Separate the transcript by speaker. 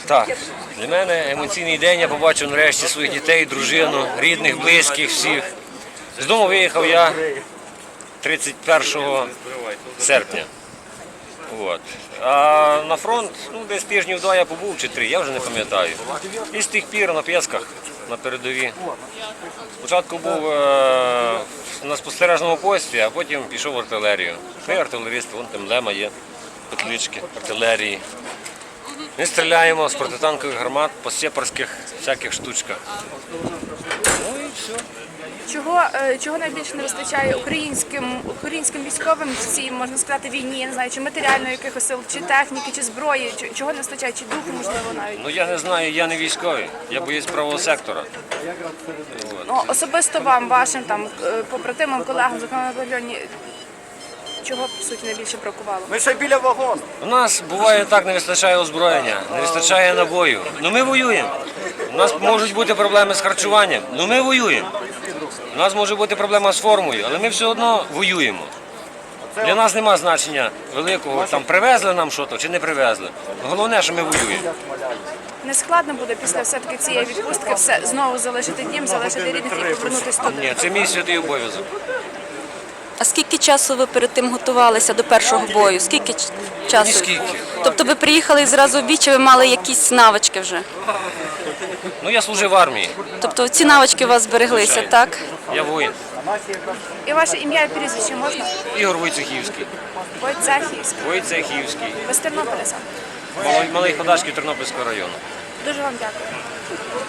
Speaker 1: Так, для мене емоційний день, я побачив нарешті своїх дітей, дружину, рідних, близьких, всіх. З дому виїхав я 31 серпня. От. А на фронт, десь тижнів 2 я побув чи 3, я вже не пам'ятаю. І з тих пір на Пєсках, на передовій. Спочатку був на спостережному пості, а потім пішов в артилерію. Ми артилерісти, вон там лема є, петлички артилерії. Ми стріляємо з протитанкових гармат по сепарських всяких штучках. Ну і все.
Speaker 2: Чого найбільше не вистачає українським військовим в цій, можна сказати, війні, я не знаю, чи матеріально якихось сил, чи техніки, чи зброї, чого не вистачає, чи духу, можливо, навіть?
Speaker 1: Ну я не знаю, я не військовий, я боєць правого сектора.
Speaker 2: Особисто вам, вашим там побратимам, колегам, зокрема на батальйоні, чого, по суті, найбільше бракувало?
Speaker 3: Ми ще біля вагону.
Speaker 1: У нас буває так, не вистачає озброєння, не вистачає набою. Ну ми воюємо. У нас можуть бути проблеми з харчуванням, ну ми воюємо. У нас може бути проблема з формою, але ми все одно воюємо. Для нас немає значення великого, там привезли нам щось чи не привезли. Головне, що ми воюємо.
Speaker 2: Не складно буде після все-таки цієї відпустки знову залишити дім, залишити рідних і повернутися туди?
Speaker 1: Ні, це мій святий обов'язок.
Speaker 4: А скільки часу ви перед тим готувалися до першого бою? Скільки часу?
Speaker 1: Ніскільки.
Speaker 4: Тобто ви приїхали і зразу в бій, чи ви мали якісь навички вже?
Speaker 1: Ну я служив в армії,
Speaker 4: Тобто ці навички у вас збереглися, так?
Speaker 1: я воїн.
Speaker 2: І ваше ім'я і прізвище можна?
Speaker 1: Ігор Войцехівський.
Speaker 2: Войцехівський.
Speaker 1: Войцехівський.
Speaker 2: Ви з Тернополя сам.
Speaker 1: Малий Ходашків Тернопільського району.
Speaker 2: Дуже вам дякую.